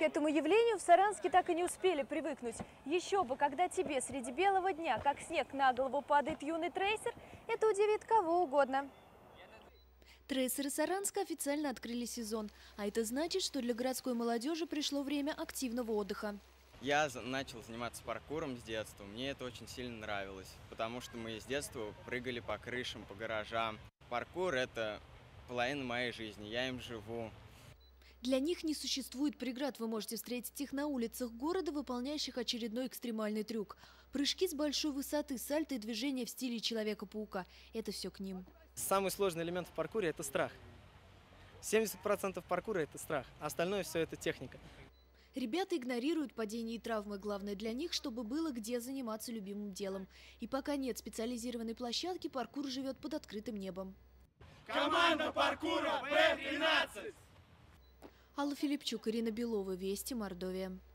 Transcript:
К этому явлению в Саранске так и не успели привыкнуть. Еще бы, когда тебе среди белого дня, как снег на голову, падает юный трейсер, это удивит кого угодно. Трейсеры Саранска официально открыли сезон, а это значит, что для городской молодежи пришло время активного отдыха. Я начал заниматься паркуром с детства, мне это очень сильно нравилось, потому что мы с детства прыгали по крышам, по гаражам. Паркур – это половина моей жизни, я им живу. Для них не существует преград, вы можете встретить их на улицах города, выполняющих очередной экстремальный трюк. Прыжки с большой высоты, сальто и движения в стиле Человека-паука – это все к ним. Самый сложный элемент в паркуре – это страх. 70% паркура – это страх, а остальное все – это техника. Ребята игнорируют падения и травмы. Главное для них, чтобы было где заниматься любимым делом. И пока нет специализированной площадки, паркур живет под открытым небом. Команда паркура Б-13! Алла Филипчук, Ирина Белова, Вести, Мордовия.